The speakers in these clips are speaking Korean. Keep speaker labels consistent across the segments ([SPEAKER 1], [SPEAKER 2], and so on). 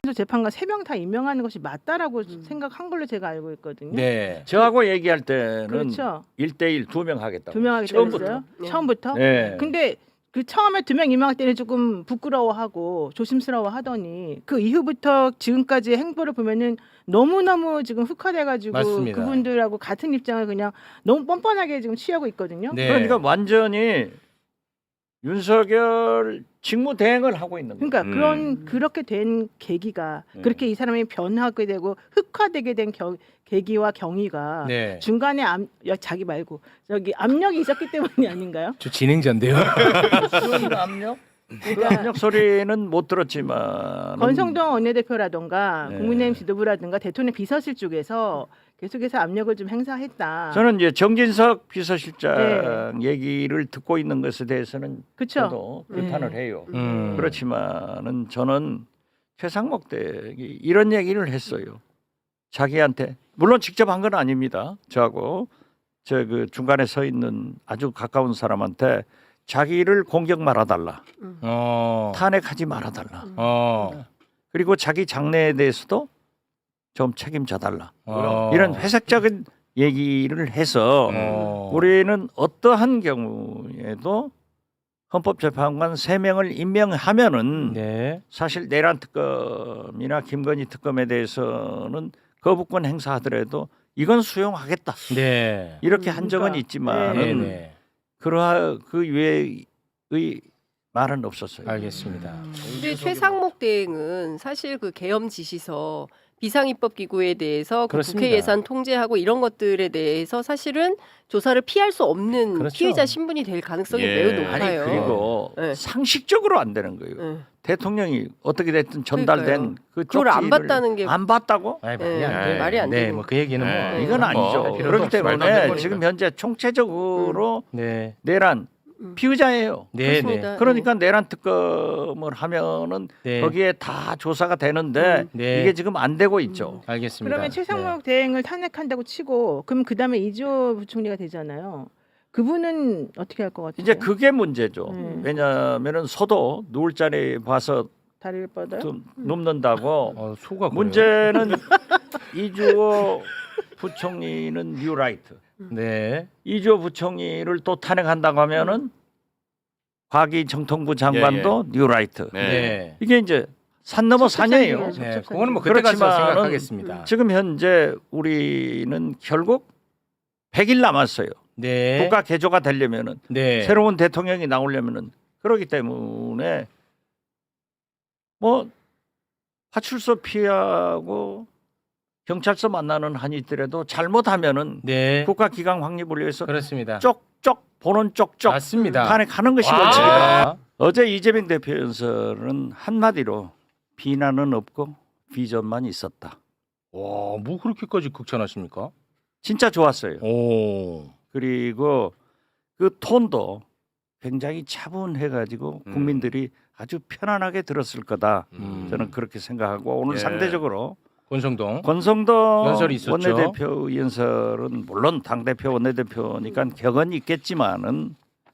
[SPEAKER 1] 이한수 재판관 3명 다 임명하는 것이 맞다라고 생각한 걸로 제가 알고 있거든요.
[SPEAKER 2] 네.
[SPEAKER 3] 저하고 얘기할 때는
[SPEAKER 1] 그렇죠.
[SPEAKER 3] 1대1 2명 하겠다고.
[SPEAKER 1] 2명 하겠다고 했어요. 처음부터.
[SPEAKER 3] 네.
[SPEAKER 1] 근데 그 처음에 2명 임명할 때는 조금 부끄러워하고 조심스러워하더니 그 이후부터 지금까지 행보를 보면은 너무너무 지금 흑화돼가지고
[SPEAKER 2] 맞습니다.
[SPEAKER 1] 그분들하고 같은 입장을 그냥 너무 뻔뻔하게 지금 취하고 있거든요.
[SPEAKER 2] 네.
[SPEAKER 3] 그러니까 완전히 윤석열 직무대행을 하고 있는 거예요.
[SPEAKER 1] 그러니까 그렇게 된 계기가 그렇게 이 사람이 변하게 되고 흑화되게 된 계기와 경위가
[SPEAKER 2] 네.
[SPEAKER 1] 중간에 자기 말고 저기 압력이 있었기 때문이 아닌가요?
[SPEAKER 2] 저 진행자인데요.
[SPEAKER 3] 그런 압력? 그 압력 소리는 못 들었지만
[SPEAKER 1] 권성동 원내대표라든가
[SPEAKER 3] 네.
[SPEAKER 1] 국민의힘 지도부라든가 대통령 비서실 쪽에서 계속해서 압력을 좀 행사했다.
[SPEAKER 3] 저는 이제 정진석 비서실장 얘기를 듣고 있는 것에 대해서는
[SPEAKER 1] 그쵸?
[SPEAKER 3] 저도 비판을 해요. 그렇지만은 저는 최상목 대행이 이런 얘기를 했어요. 자기한테 물론 직접 한 건 아닙니다. 저하고 저 그 중간에 서 있는 아주 가까운 사람한테 자기를 공격 말아달라, 탄핵하지 말아달라. 그리고 자기 장래에 대해서도 좀 책임져달라. 이런 회색적인 얘기를 해서 우리는 어떠한 경우에도 헌법재판관 3명을 임명하면은
[SPEAKER 2] 네.
[SPEAKER 3] 사실 내란 특검이나 김건희 특검에 대해서는 거부권 행사하더라도 이건 수용하겠다.
[SPEAKER 2] 네.
[SPEAKER 3] 이렇게 한 적은
[SPEAKER 1] 그러니까.
[SPEAKER 3] 있지만은
[SPEAKER 2] 네.
[SPEAKER 3] 그러한 그 외의 말은 없었어요.
[SPEAKER 2] 알겠습니다.
[SPEAKER 4] 근데 최상목 대행은 사실 그 계엄 지시서 비상입법기구에 대해서 그
[SPEAKER 2] 그렇습니다.
[SPEAKER 4] 국회 예산 통제하고 이런 것들에 대해서 사실은 조사를 피할 수 없는
[SPEAKER 2] 그렇죠.
[SPEAKER 4] 피해자 신분이 될 가능성이
[SPEAKER 5] 예.
[SPEAKER 4] 매우
[SPEAKER 3] 아니
[SPEAKER 4] 높아요.
[SPEAKER 3] 그리고
[SPEAKER 4] 네.
[SPEAKER 3] 상식적으로 안 되는 거예요.
[SPEAKER 4] 네.
[SPEAKER 3] 대통령이 어떻게 됐든 전달된
[SPEAKER 4] 그러니까요.
[SPEAKER 3] 그
[SPEAKER 4] 그걸 안
[SPEAKER 3] 쪽지를
[SPEAKER 4] 봤다는 게
[SPEAKER 3] 안 봤다고?
[SPEAKER 2] 아니,
[SPEAKER 4] 네,
[SPEAKER 2] 말이 안 돼.
[SPEAKER 4] 말이 안 되는
[SPEAKER 2] 뭐 그 얘기는 뭐
[SPEAKER 5] 네.
[SPEAKER 3] 이건 아니죠.
[SPEAKER 5] 뭐,
[SPEAKER 2] 필요도
[SPEAKER 3] 그렇기
[SPEAKER 2] 없이 말도 안
[SPEAKER 3] 때문에
[SPEAKER 2] 되는
[SPEAKER 3] 지금 현재 총체적으로
[SPEAKER 2] 네.
[SPEAKER 3] 내란 피의자예요.
[SPEAKER 2] 네,
[SPEAKER 4] 그렇습니다.
[SPEAKER 2] 네.
[SPEAKER 3] 그러니까 내란 특검을 하면은
[SPEAKER 2] 네.
[SPEAKER 3] 거기에 다 조사가 되는데
[SPEAKER 2] 네.
[SPEAKER 3] 이게 지금 안 되고 있죠.
[SPEAKER 2] 알겠습니다.
[SPEAKER 1] 그러면 최상목 대행을 탄핵한다고 치고 그럼 그다음에 이주호 부총리가 되잖아요. 그분은 어떻게 할 것 같아요?
[SPEAKER 3] 이제 그게 문제죠. 왜냐하면은 소도 누울 자리 봐서
[SPEAKER 1] 다리를 뻗어요?
[SPEAKER 3] 좀 눕는다고.
[SPEAKER 2] 소가 그래요?
[SPEAKER 3] 문제는 이주호 부총리는 뉴라이트.
[SPEAKER 2] 네.
[SPEAKER 3] 이주호 부총리를 또 탄핵한다고 하면은 과기 정통부 장관도 뉴라이트.
[SPEAKER 5] 네.
[SPEAKER 2] 네.
[SPEAKER 3] 이게 이제 산 넘어 산이에요.
[SPEAKER 2] 네. 그거는 뭐 그때 가서
[SPEAKER 3] 그렇지만은
[SPEAKER 2] 생각하겠습니다.
[SPEAKER 3] 지금 현재 우리는 결국 100일 남았어요.
[SPEAKER 2] 네.
[SPEAKER 3] 국가 개조가 되려면은
[SPEAKER 2] 네.
[SPEAKER 3] 새로운 대통령이 나오려면은 그렇기 때문에 뭐 파출소 피하고 경찰서 만나는 한이 있더라도 잘못하면은
[SPEAKER 2] 네.
[SPEAKER 3] 국가 기강 확립을 위해서
[SPEAKER 2] 그렇습니다.
[SPEAKER 3] 쪽쪽 보는 쪽쪽
[SPEAKER 2] 맞습니다.
[SPEAKER 3] 탄핵하는 것이
[SPEAKER 2] 와.
[SPEAKER 3] 원칙이다. 어제 이재명 대표 연설은 한마디로 비난은 없고 비전만 있었다.
[SPEAKER 2] 와, 뭐 그렇게까지 극찬하십니까?
[SPEAKER 3] 진짜 좋았어요.
[SPEAKER 2] 오.
[SPEAKER 3] 그리고 그 톤도 굉장히 차분해가지고 국민들이 아주 편안하게 들었을 거다. 저는 그렇게 생각하고 오늘
[SPEAKER 5] 예.
[SPEAKER 3] 상대적으로
[SPEAKER 2] 권성동.
[SPEAKER 3] 권성동
[SPEAKER 2] 연설이 있었죠.
[SPEAKER 3] 원내대표 연설은 물론 당대표 원내대표니까 격언이 있겠지만은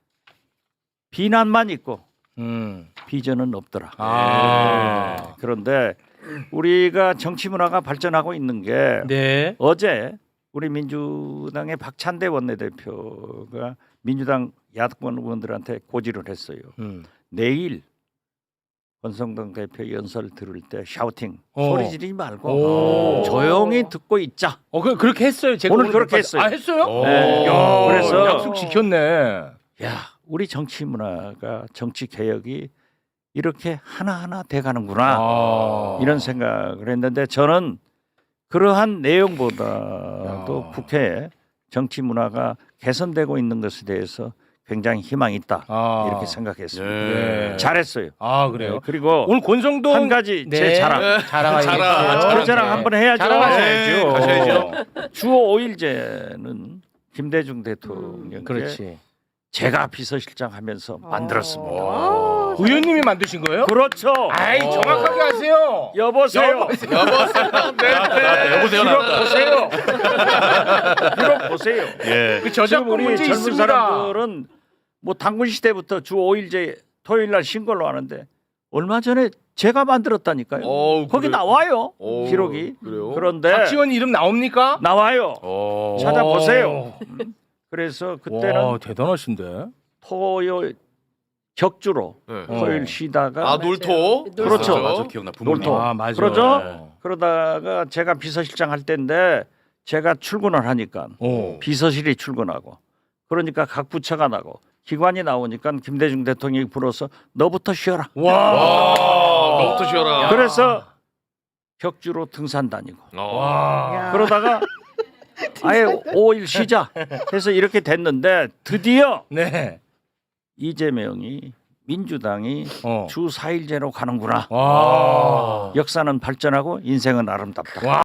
[SPEAKER 3] 비난만 있고 비전은 없더라.
[SPEAKER 2] 아.
[SPEAKER 3] 그런데 우리가 정치 문화가 발전하고 있는 게
[SPEAKER 2] 네.
[SPEAKER 3] 어제 우리 민주당의 박찬대 원내대표가 민주당 야권 의원들한테 고지를 했어요. 내일 권성동 대표 연설 들을 때 샤우팅 소리 지르지 말고
[SPEAKER 2] 오.
[SPEAKER 3] 조용히 듣고 있자.
[SPEAKER 2] 그렇게 했어요. 제가
[SPEAKER 3] 오늘 그렇게 했어요.
[SPEAKER 2] 아, 했어요?
[SPEAKER 3] 네.
[SPEAKER 2] 야,
[SPEAKER 3] 그래서
[SPEAKER 2] 약속 지켰네.
[SPEAKER 3] 야, 우리 정치 문화가 정치 개혁이 이렇게 하나하나 돼가는구나.
[SPEAKER 2] 아.
[SPEAKER 3] 이런 생각을 했는데 저는 그러한 내용보다도 국회에 정치 문화가 개선되고 있는 것에 대해서 굉장히 희망이 있다.
[SPEAKER 2] 아.
[SPEAKER 3] 이렇게 생각했습니다.
[SPEAKER 2] 네.
[SPEAKER 3] 잘했어요.
[SPEAKER 2] 아, 그래요?
[SPEAKER 3] 네, 그리고
[SPEAKER 2] 오늘 권성동
[SPEAKER 3] 한 가지 제 자랑.
[SPEAKER 2] 자랑하겠어요.
[SPEAKER 3] 그 자랑 한번 해야죠.
[SPEAKER 2] 자랑하셔야죠.
[SPEAKER 5] 가셔야죠.
[SPEAKER 3] 주 5일제는 김대중 대통령께
[SPEAKER 2] 그렇지.
[SPEAKER 3] 제가 비서실장 하면서 만들었습니다.
[SPEAKER 2] 의원님이 만드신 거예요?
[SPEAKER 3] 그렇죠.
[SPEAKER 2] 아이, 정확하게 하세요.
[SPEAKER 3] 여보세요.
[SPEAKER 5] 여보세요. 여보세요.
[SPEAKER 3] 들어보세요. 들어보세요.
[SPEAKER 5] 예.
[SPEAKER 2] 그
[SPEAKER 3] 지금
[SPEAKER 2] 저작권
[SPEAKER 3] 우리
[SPEAKER 2] 문제
[SPEAKER 3] 젊은
[SPEAKER 2] 있습니다.
[SPEAKER 3] 사람들은 뭐 당군 시대부터 주 5일제 토요일 날 신걸로 하는데 얼마 전에 제가 만들었다니까요. 거기
[SPEAKER 5] 그래요?
[SPEAKER 3] 나와요.
[SPEAKER 5] 오,
[SPEAKER 3] 기록이.
[SPEAKER 5] 그래요?
[SPEAKER 3] 그런데
[SPEAKER 2] 박지원 이름 나옵니까?
[SPEAKER 3] 나와요.
[SPEAKER 5] 어.
[SPEAKER 3] 찾아보세요. 그래서 그때는
[SPEAKER 2] 와, 대단하신데.
[SPEAKER 3] 토요일 격주로
[SPEAKER 5] 네.
[SPEAKER 3] 토요일 쉬다가
[SPEAKER 5] 아 놀토.
[SPEAKER 3] 그렇죠.
[SPEAKER 5] 맞아 기억나. 부모님.
[SPEAKER 3] 놀토.
[SPEAKER 2] 아, 맞아요.
[SPEAKER 3] 그러죠?
[SPEAKER 2] 네.
[SPEAKER 3] 그러다가 제가 비서실장 할 때인데 제가 출근을 하니까
[SPEAKER 2] 오.
[SPEAKER 3] 비서실이 출근하고 그러니까 각 부처가 나고 기관이 나오니까 김대중 대통령이 불어서 너부터 쉬어라.
[SPEAKER 2] 와.
[SPEAKER 5] 너부터 쉬어라.
[SPEAKER 3] 그래서 격주로 등산 다니고
[SPEAKER 5] 와.
[SPEAKER 1] 야.
[SPEAKER 3] 그러다가 아예 5일 쉬자 해서 이렇게 됐는데 드디어
[SPEAKER 2] 네.
[SPEAKER 3] 이재명이 민주당이
[SPEAKER 2] 어.
[SPEAKER 3] 주 4일제로 가는구나.
[SPEAKER 2] 와.
[SPEAKER 3] 역사는 발전하고 인생은 아름답다.
[SPEAKER 2] 와.